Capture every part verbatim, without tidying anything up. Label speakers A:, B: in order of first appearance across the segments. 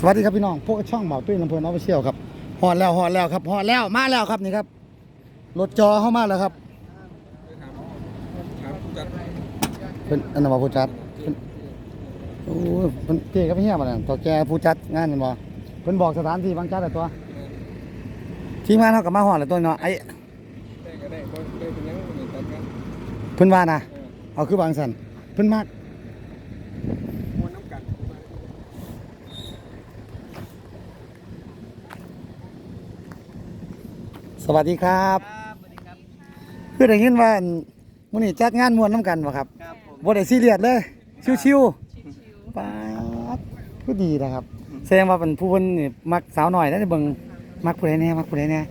A: วัสดีครับพี่น้องพวกช่องเบาตุ้ยลำเพลินออฟฟิเชียลครับฮอดแล้วฮอดแล้วครับฮอดแล้วมาแล้วครับนี่ครับรถจอเข้ามาแล้วครับเป็นอันนั้นมาผู้จัดโอ้เป็นเจ๊กับพี่เฮียมาแล้วต่อแกผู้จัดงานนี่บ่เพิ่นบอกสถานที่บางจัดแต่ตัวทีมงานเฮากับมาฮอดแล้วตัวเนาะไอ้เพิ่นว่านะเอาคือบางสันเพิ่นมากสวัสดีครับคือได้ยินว่ามื้อนี้จัดงานม่วนน้ำกันบ่ครับบ่ได้ซีเรียสเลยชิวๆป๊าดคือดีนะครับแสดงว่าเป็นผู้เพิ่นนี่มักสาวน้อยแล้วเบิ่งมักผู้ใดแน่มักผู้ใดแน่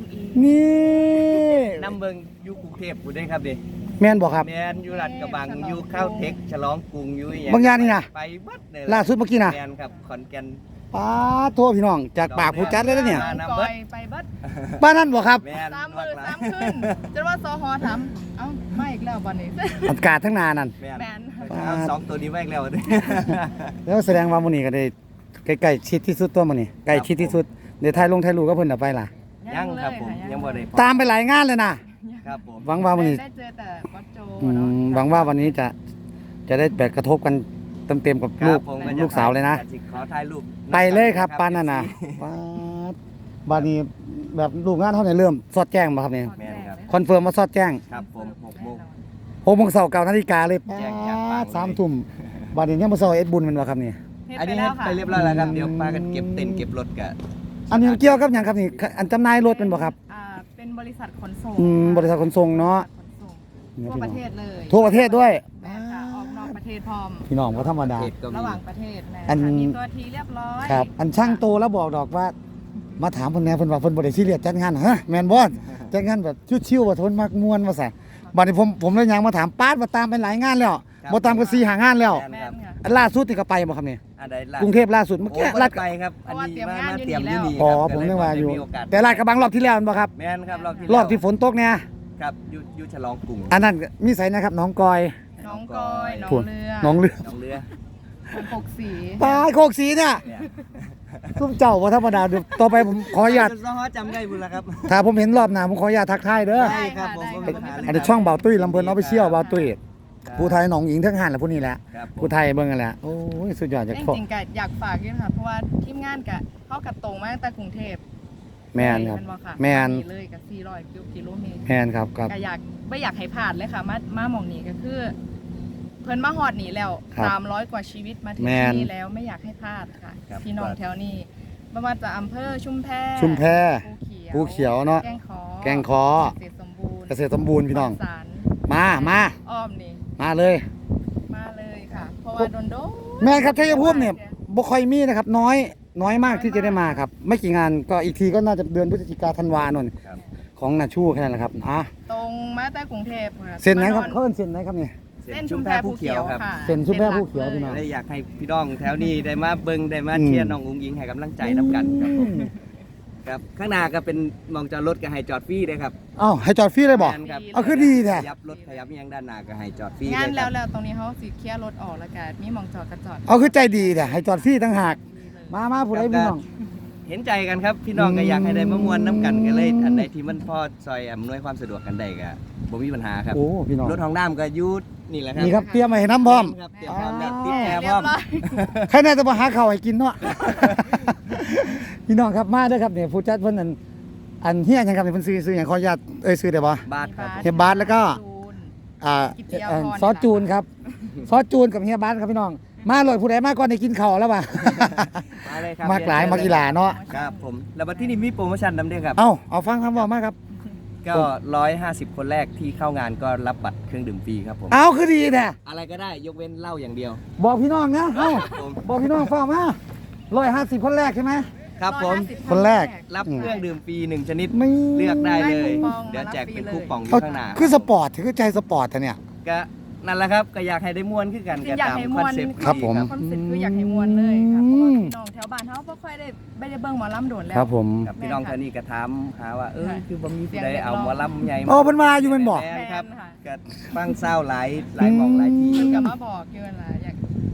A: นี่
B: นำเบิ่งอยู่กรุงเทพฯพุ่นเด้ครับเด้
A: แม่นบ่ครับ
B: แม่นอยู่ลาดกระบังอยู่ข้าวเทคฉลองกรุงอยู่อีหยัง
A: บางอย่างนี่นะ
B: ไปเบิดเลย
A: ล่าสุดเมื่อกี้น่ะ
B: แม่นครับขอนแก่น
A: ป๊าดโทษพี่น้องจากปากผู้จัดเลยนะเนี่ย
B: นำเบิด
C: ไปเบิด
A: บ้านนั้นบ่ครับ
B: แม่น
C: สามมือสามขึ้นจนว่าซอฮอถามเอ้าไม่อีกแล้ววันนี้
A: อากาศทั้งนานั่น
B: แม่น
C: แมน
B: เอาสองตัวนี้ไว้อีกแล้วเด้
A: แล้วแสดงว่ามื้อนี้ก็ได้ใกล้ๆชิดที่สุดตัวมื้อนี้ใกล้ชิดที่สุดเดี๋ยวถ่ายลงถ่ายรูปกับเพิ่นน่ะไปล่ะ
B: ยังครับผมยังบ่ได้
A: ตามไปหลายงานเลยนะครับ
B: ผม
A: หวังว่ามื้อนี้
C: ได้เจอแต่วัดโจ
A: อื
C: เนาะ
A: มหวังว่าวันนี้จะจะได้แบบกระทบกันเต็มๆกับ
B: ค
A: ลู
B: รั
A: ก
B: บผมจะ
A: ลูกสาวเลยนะ
B: สิขอถ่ายรูป
A: ไปเลยครับปานนั้นน่ะว้าดบาดนี้แบบลูกงานเท่าไหร่เริ่มสอดแจ้งบ่ครับนี่
B: แม่นครับ
A: คอนเฟิร์มมาสอดแจ้ง
B: ครับผมหกโมง
A: หกโมงเช้าเก้านาฬิกาเลย
B: แจ้งจากปากเลย
A: สามทุ่มบาดนี้ยังบ่เช้าเอ็ดบุญแม่นบ่ครับนี่
B: อันนี้ให้ไปเรียบร้อยแล้วครับเดี๋ยวพากันเก็บเต็นท์เก็บรถกะ
A: อันนี้เกี่ยวกับหยังครับนี่อันจำหน่ายรถแม่นบ่ครับ
C: อ่าเป็นบริษัทขนส่ง
A: อืมบริษัทขนส่งเนาะ
C: ขนส่งทั่วประเทศเลย
A: ทั่วประเทศด้วย
C: แม่นค่ะออกนอกประเทศพร้อม
A: พี่น้องบ่ธรรมดา
B: เขตก็มี
C: ระหว่างประเทศแม่
A: อัน
C: ค่ะมีตัวทีเรียบร้อย
A: ครับ อันช่างโตแล้วบอกดอกว่า มาถามเพิ่นแหน่เพิ่นว่าเพิ่นบ่ได้ซีเรียสจัดงานฮะแม่นบ่จัดงานแบบชิวๆว่าทนมักม่วนว่าซะบัดนี้ผมผมเลยยังมาถามป๊าดว่าตามไปหลายงานแล้วบ่ตามก็สี่ห้างานแล้ว
C: แม่นค่ะ
A: อันล่าสุดนี่ก็ไปบ่ครับนี่
B: อันใดล่ะ
A: กรุงเทพล่าสุดเมื่อ
B: โอ้
A: กี้
B: ลา
A: ลา
B: ด
A: ด
B: ไปครับ อันนี้มามาเตรียมอยู่นี่
A: อ๋อ
B: ครับ
A: ผมนึกว่าอยู่
B: มีโอกาส
A: แต่ลาดกระบังรอบที่แล้วแม่นบ่ครับ
B: แม่นครับรอบที่
A: รอบที่ฝนตกเนี่ย
B: ครับอยู่อยู่ฉลองกรุง
A: อันนั้นมีไสนะครับน้องกอย
C: น้องกอยน้อง
A: พุ่น
C: เรือ
A: น้องเรือ
B: น้องเรือ
C: น้องหกสี
A: ปลาโคกสีเนี่ย
B: เนี่ย
A: ซุ้มเจ้าบ่ธรรมดาเดี๋ยวต่อไปผมขออนุญาต
B: ซ้อจำได้บุญแล้วครับ
A: ถ้าผมเห็นรอบหน้าผมขออนุญาตทักทายเด้อ
B: ได้ครับผม
C: ได้
B: ผม
C: ค่ะ
B: เป็น
A: อันนี้ช่องเบาตุ้ยลำเพลินออฟฟิเชียลเบาตุ้ย
B: ครับ
A: ผู้ไทยหนองหญิงทั้งหันแหละผู้นี้แหละ
B: ครับผม
A: ผู้ไทยเบิ่งกันแหละโอ้ยสุดยอดจาก
C: จ
A: พ่อ
C: ริงๆก็อยากฝากด้วยค่ะเพราะว่าทีมงานกะเข้ากับตรงมาตั้งแต่กรุงเทพ
A: แม่นครับ
C: บ่ค่ะ
A: แม่น
C: เลยกับสี่ร้อยกิโลเมตร
A: แมนครับครับ
C: ก็อยากไม่อยากให้พลาดเลยค่ะ มามาหมองนี้ก็คือ เพิ่นมาฮอดนี่แล้ว
A: ครับ
C: สามร้อยกว่าชีวิตมาถึง
A: แม่น
C: ที่นี่แล้วไม่อยากให้พลาดค่ะ
B: ครับ
C: พี่น้องแถวนี้ไม่ว่าจะอำเภอชุมแพ
A: ชุมแพ
C: ภู
A: ภูเขียวเนาะ
C: แกงขอ
A: แกงคอ
C: เกษตรสมบูรณ์
A: เกษตรสมบูรณ์พี่น้อง
C: สาร
A: มามา
C: อ้อมนี่
A: มาเลย
C: มาเลยค่ะ เพราะว่าโดนโดน
A: แม่ครับชัยภูมิเนี่ยบ่ค่อยมีนะครับ น้อยน้อยมากที่จะได้มาครับ ไม่กี่งานก็อีกทีก็น่าจะเดือนพฤศจิกาธันวาโน่น
B: ครับ
A: ของนาชูแค่นั้นแหละครับอ่ะ
C: ตรงมาแต่กรุงเทพค่ะ
A: เส้นไหนครับ
C: มา
A: เขาเอิ้นเส้นไหนครับเนี่ย
C: เส้นชุมแพภูเขียวค่ะ
A: เส้นชุมแพภูเขียวพี่น้อง
B: ได้อยากให้พี่น้องแถวนี้ได้มาเบิ่งได้มา
A: อืม
B: เชียร์น้องอุ้งอิงให้กำลังใจนํกันครับผมครับข้างหน้าก็เป็นหมองจอดรถก็ให้จอดฟรีเลยครับ
A: เอ้าให้จอดฟรีเลยบอก
B: แม่นครับ
A: เอาคือดีแท้
B: ขยับรถขยับอิหยังด้านหน้าก็ให้จอดฟรี
C: งาน
B: เลยค
C: แล้
B: รั
C: ว
B: บ
C: แล้วตรงนี้เขาสิเคลียร์รถออกแล้วกันมีหมองจอดกระจอด
A: เอาคือใจดีแท้ให้จอดฟรีต่างหากมามาผู้ใดพี่น้อง
B: เห็นใจกันครับพี่น้องก็อยากให้ได้มามวนน้ำกันก็เลยอันใดที่มันพอซอยอำนวยความสะดวกกันได้ก็บ่มีปัญหาครับ
A: โอ้พี่น้อง
B: รถของน้ำก็อยูดนี่แหละครับ
A: นี่ครับเตรียมมาให้น้ำพร้อม
B: ครับเตรียมพร้อมแล้วติดแอร์พ
C: เรี
B: ร้
C: ย
B: อม
C: บร้อย
A: ใครน่าจะมาหาข้าวให้กินเนาะ พี่น้องครับมาเด้อครับเนี่ยผู้จัดเพิ่นอันอันเฮียหยังครับเนี่ยเพิ่นซื้อซื้อหยังขออนุญาตเอ้ยซื้อได้บ่
B: บาทครับ
A: เฮียบาสแล้วก็ อ่า
C: กิตติยาพร
A: เอ่อซอสจูนครับซอสจูนกับเฮียบาสครับพี่น้อง มาเลยผู้ใดมาก่อนได้กินข้าวแล้วป่ะ
B: มาเลยครับ
A: มากหลายมากีฬาเนาะ
B: ครับผมแล้วบัดที่นี่มีโปรโมชั่นนำด้วยครับ
A: เอ้าเอาฟังคำบอกมาครับ
B: ก็ร้อยห้าสิบคนแรกที่เข้างานก็รับบัตรเครื่องดื่มฟรีครับผม
A: เอาคือดีแท้
B: อะไรก็ได้ยกเว้นเหล้าอย่างเดียว
A: บอกพี่น้องนะเอ้า
B: ผม
A: บอกพี่น้องฟังมาร้อยห้าสิบคนแรกใช่ไหม
B: ครับผม
A: คนแรก
B: รับเครื่องดื่มฟรีหนึ่งชนิด
A: ไม่
B: เลือกได้เลย
C: ได้คูปอง
B: เดี๋ยวแจกเป็น
C: รับฟรีเลย
B: คูปองอ
A: เอา
B: ยู่ข้างหน้า
A: คือสปอร์ตคือใจสปอร์ตอะเนี่ย
B: ก็นั่นแหละครับก็อยากให้ได้ม่วนขึ้นกัน
C: จริ
B: ก็
C: งอยาก
B: ตาม
C: ให้
B: ค
C: ม่
B: อน
C: วน
B: เซ็ปต์
A: ครับผม
C: คอนเซ็ปต์คืออยากให้มวนเลยค่ะเพราะว่าพี่น้องแถวบ้านเขาบ่ค่อยได้ไม่ได้เบิ่งหมอลำโดนแล้ว
A: ครับผม
B: กับพี่น้องท่านนี้ก็ถามหาว่าเออ
C: ค่ะ
B: คือบ่มีผู้ใด
C: เสียงเรียก
B: เอา
C: ร้อง
B: หมอลำใหญ่
A: โอ้เพิ่นมาอยู่แม่นบ่
B: แม่นครับ
C: แม่นค่ะ
B: ก็ฟังเศร้าหลายหลายหมองหลายที่
C: เพิ่นก็มาบอกอยู่นั่นล่ะอยาก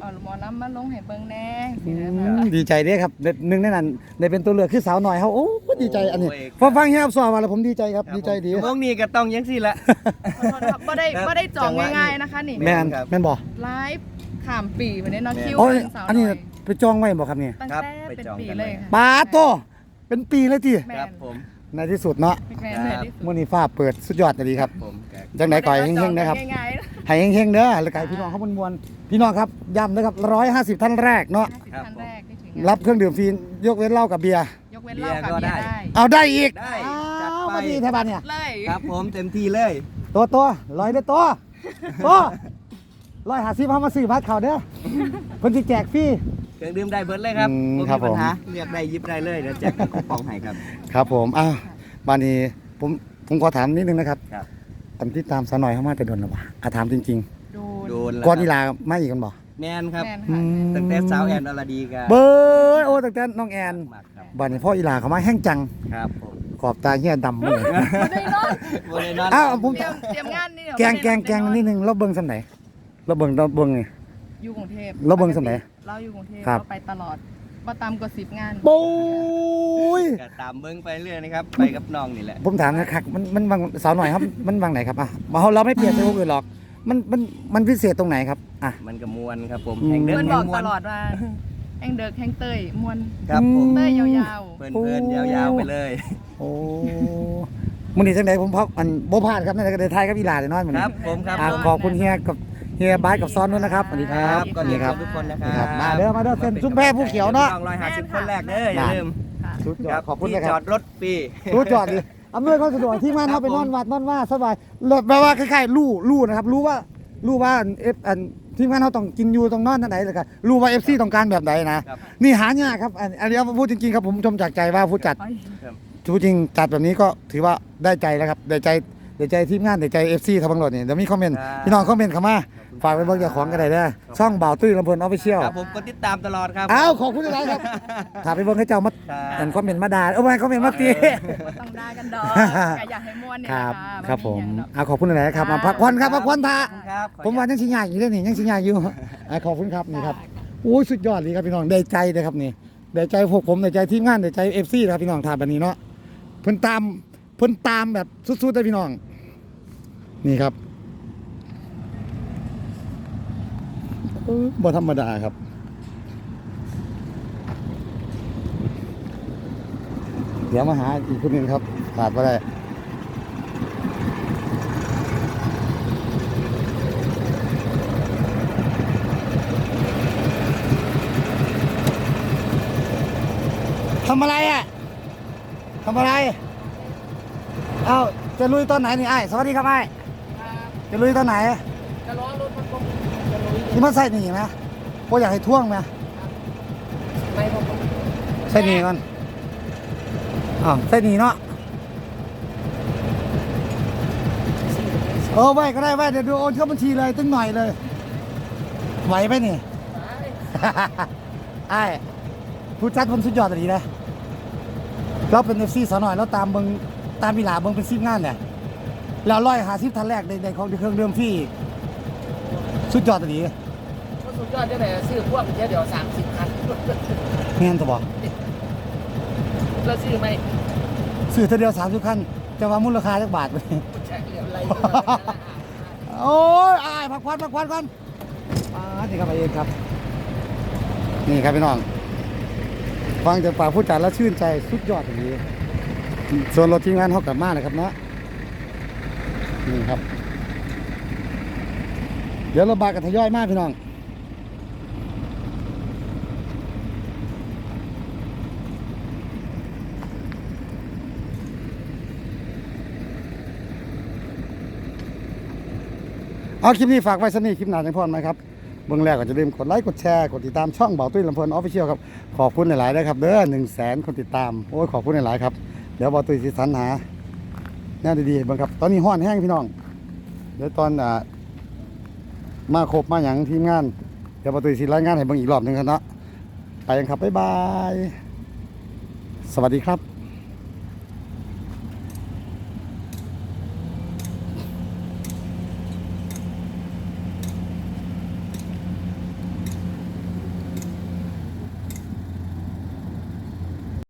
C: เอาหมอลำมาลงให้เบิ่งแน่
A: อื
C: สิ
A: ม
C: นะ
A: ดีใจเด้ครับเด็ดหนึ่งในนั้นได้เป็นตัวเลือกคือสาวหน่อยเขาโอ้ดีใจอันนี้พอฟังเฮียครับสอนมาแล้วผมดีใจครับดีใจดี
B: ชั่วโมงนี้ก็ต้องยังสิละ
C: ขอโทษนะครับบ่ได้บ่ได้จองง่ายๆนะคะนี่
A: แม่น
B: ครับ
A: แม่นบ่
C: ไลฟ์ข้ามปีวันนี้เนาะคิว
A: โอ้ย
C: สาว
A: อันนี้
C: น้อย
A: ไปจองไว้บ่ครับเนี่ย
C: ตั้ง
B: ครับ
C: แต่
B: ไป
C: เป็น
B: จอง
C: ปี
B: กัน
C: เลย
B: ไว้
C: ค่ะ
A: ปาโตเป็นปีเลยที
C: แม่
B: ครับ
C: น
B: ผม
A: ในที่สุดเนาะ
C: แม่น
B: ค
C: แม่
B: รั
C: น
B: บ
C: ที่สุด
A: มื้อนี้ฟ้าเปิดสุดยอดเลยครับ
B: ผมก็
A: จังได๋ก่อยเฮงๆนะครับ
C: ง่ายๆนะ
A: ให้เฮงๆเด้อแล้วก็ให้พี่น้องเขามวลๆพี่น้องครับย้ำนะครับหนึ่งร้อยห้าสิบท่านแรกเนาะ
C: ห้าสิบท่านแรกที่ถึง
A: รับเครื่องดื่มฟรียกเว้นเหล้ากับเบียร์
C: ยกเว้นเหล้ากับเบียร์ได้
A: เอาได้อีก
B: ได้
A: อ้า
B: จัด
A: ว
B: ไป
A: มาดีแท้บ้านเนี่ย
C: เลย
B: ครับผมเต็มที่เลย
A: ตัวตัวร้อยเด้อตัวตัวร้อยหาสิบเขามาซื้อบัตรเขาเด้อเพิ่นสิแจกฟรี
B: เครื่องดื่มได้เบิร์ดเลยครับ
A: อืม
B: บ่
A: ครับ
B: มีปัญหา
A: ผม
B: เรียกได้หยิบได้เลยเดี๋ยวแจกคูปองให้ครับ
A: ครับผมอ้าวบ้านนี้ผมผมขอถามนิดนึงนะครับ
B: ครับ
A: อันที่ตามสาวหน่อยเข้ามาแต่โดนหรอวะอ่ะถามจริง
C: โด
B: โด
C: น
B: นแล้ว
A: ๆก่อน
B: ค
A: อี
B: รับ
A: ลาไม่อีกกันบ่
B: แมนครับ
C: แม่น
A: อื
C: ค่ะ
A: ม
B: ตั้งแต่สาวแอนอรดีกัน
A: เบ้ยโอ้ตั้งแต่น้องแอน
B: มากครับ
A: บ้านนี้พ่ออีลาเขามาแห้งจัง
B: ครับผม
A: ขอบตาเฮียดำหมดเลย
C: บ่ได้นอน
B: โมเดลนอน
A: อ้าวผม
C: เตรียมเตรียมงานนี่เดี๋ยว
A: แกงแกงแกงนิดนึงเราเบิ่งสำไหนเราเบิ่งเราเบิ่งนี่
C: อยู่กรุงเทพ
A: เราเบิ่งสมัย
C: เราอยู่กรุงเทพ
A: ครับ
C: เราไปตลอดบ่ตามกว่าสิบงาน
A: ปุ้ย
B: ก็ตามเบิ้งไปเรื่อยนะครับ ไปกับน้องนี่แหละ
A: ผมถามนะครับมันมันวางสาวหน่อยครับ มันวางไหนครับอ่ะมาเราไม่เปลี่ยนไปพวกอื่นหรอก มันมันมันพิเศษตรงไหนครับอ่ะ
B: มันก็มวนครับผม
A: อืม
B: แห่งเดิ
C: เพื่
B: น
C: อน
B: แห่
C: บอง ก
B: มว
C: ต
B: น
C: ลอดว่าแองเดิกแองเตยมวน
B: ครับผม
C: เตยยาว
B: เพลินเพลินๆยาวๆไปเลย
A: โอ้มื้อนี้จังไดผมพักอันบ่พลาดครับนั่นก็ได้ทายกับอีหลาได้นอนมื้อ
B: ค
A: นี้
B: รับผมครับ
A: อ่ะ
B: ผม
A: ขอบคุณเฮียกับเฮียบายกับซ้อนด้วยนะครับสวัสดีครับ
B: ก็เรียน
A: ครั
B: ทุกคนนะค
A: นี่ค
B: รั
A: รับบ มาเด้อมาเด้อเส้นซุ้มแพผู้เขียวเนาะ
B: ร้อยห้าสิบคนแรกเด้ออย่าลืม
C: ๆค่ะ
A: สุดยอ
B: ครั
A: ด
B: บ
A: ขอบคุณ
B: ที่
A: นะค
B: จอ
A: รับ
B: ดรถฟรี
A: รู้จอดดิอำนวยความสะดวกที่มานเขาไปนอนวัดนอนว่าสบายแปลว่าคล้ายๆรู้รู้นะครับ รู้ว่ารู้ว่าเอฟอันทีมงานเขาต้องกินอยู่ตรงนอนท่านไหนเลยครับรู้ว่าเอฟซีต้องการแบบไหนนะครับ นี่หายากครับอันอันนี้พูดจริงๆครับผมชมจากใจว่าผู้จัด
B: ครับ
A: พูดจริงจัดแบบนี้ก็ถือว่าได้ใจแล้วครับได้ใจได้ใจทีมงานได้ใจเอฟซีทั้งบังหลดนี่เดี๋ยวมีคอมเมนต์พี่น้องคอมเมนต์เข้ามาฝากไปเบิ่งเจ้าของกันได้เด้อช่องบ่าวตุ้ยลำเพลินออฟฟิเชียล
B: ครับผมก็ติดตามตลอดครับ
A: อ้าวขอบคุณอะไรครับถามไปเบิ่งให้เจ้ามา
B: ครับ
A: อันคอมเมนต์มาด่าเออไม่คอมเมนต์มาตี
C: บ่ต้องด่ากันดอกก็อยากให้ม่วนเนี่ย
A: ค
C: นะ
A: รับ
C: คะ
A: ครับผม
C: ไอย่างดอก
A: เอาขอบคุณอะไรครับมาพักผ่อนครับพักผ่อนท่า
B: ครับ
A: ผมว่ายังชิญญาอยู่ด้วยนี่ยังชิญญาอยู่อ่ะขอบคุณครับนี่ครับโอ้ยสุดยอดเลยครับพี่น้องได้ใจเลยครับนี่ได้ใจพวกผมได้ใจทีมงานได้ใจเอฟซีครับพี่น้องทานแบบนี้เนาะเพิ่นตามเพิ่นตามแบบสุดๆเลยพี่น้องนี่ครับเออบ่ธรรมดาครับเดี๋ยวมาหาอีกคนหนึงครับขาดบ่ได้ทำอะไรอ่ะทำอะไรเอ้าจะลุยตอนไหนนี่ไอ้ายสวัสดีครับไอ้ายจะลุยตอนไหน
C: จะล้อรถมันคง
A: นี่มันใส่หนีไหมพวกอยากให้ท่วงไหม
C: ไม่ผม
A: ใส่หนีก่อนอ้าวใส่หนีเนาะเออไว้ก็ได้ไว้เดี๋ยวดูโอนเข้าบัญชีเลยตึ้งหน่อยเลยไหวไหมนี่ ไอ้ายผู้จัดผมสุดยอดอันนี้นะเราเป็นเอฟซีสาวหน่อยแล้วตามเบิงตามมีหลาเบิงเป็นซีมงานเนี่ยแล้วร้อยหาสิบทันแรกในในของเครื่องเดิมที่สุดยอดอันนี้
D: ก็สุดยอดได้ไหนซื้อพวกเดี๋ยวเดี๋ยวสามสิบคัน
A: เงี้ยจะบอก
D: แล้วซื้อไหม
A: ซื้อเท่าเดียวสามสิบคันจะว่ามูลค่าจักบาทไป
D: ใช่เหลืออะไร
A: โอ้ยอายพักควันพักควันกันอ่านี่ครับไปเองครับ นี่ครับพี่น้อง ฟังจากปากผู้จัดแล้วชื่นใจสุดยอดอย่างนี้ ส่วนรถทีมงานเขากลับมาเลยครับเนาะนี่ครับ เดี๋ยวเราบากันทยอยมากพี่น้อง เอาคลิปนี้ฝากไว้สนี่คลิปหนาจังพรไหมครับเบื้องแรกก็จะลืมกดไลค์กดแชร์กดติดตามช่องเบาตุ้ยลำเพลินออฟฟิเชียลครับขอบคุณหลายๆนะครับเด้อหนึ่งแสนคนติดตามโอ้ยขอบคุณหลายๆครับเดี๋ยวเบาตุ้ยสิสรรหาแนวดีๆบ้างครับตอนนี้ห้อนแห้งพี่น้องเดี๋ยวตอนอ่ามาครบมาอย่างทีมงานเดี๋ยวเบาตุ้ยสิรายงานให้เบิ่งอีกรอบหนึ่งครับเนาะไปกันครับบ๊ายบายสวัสดีครับ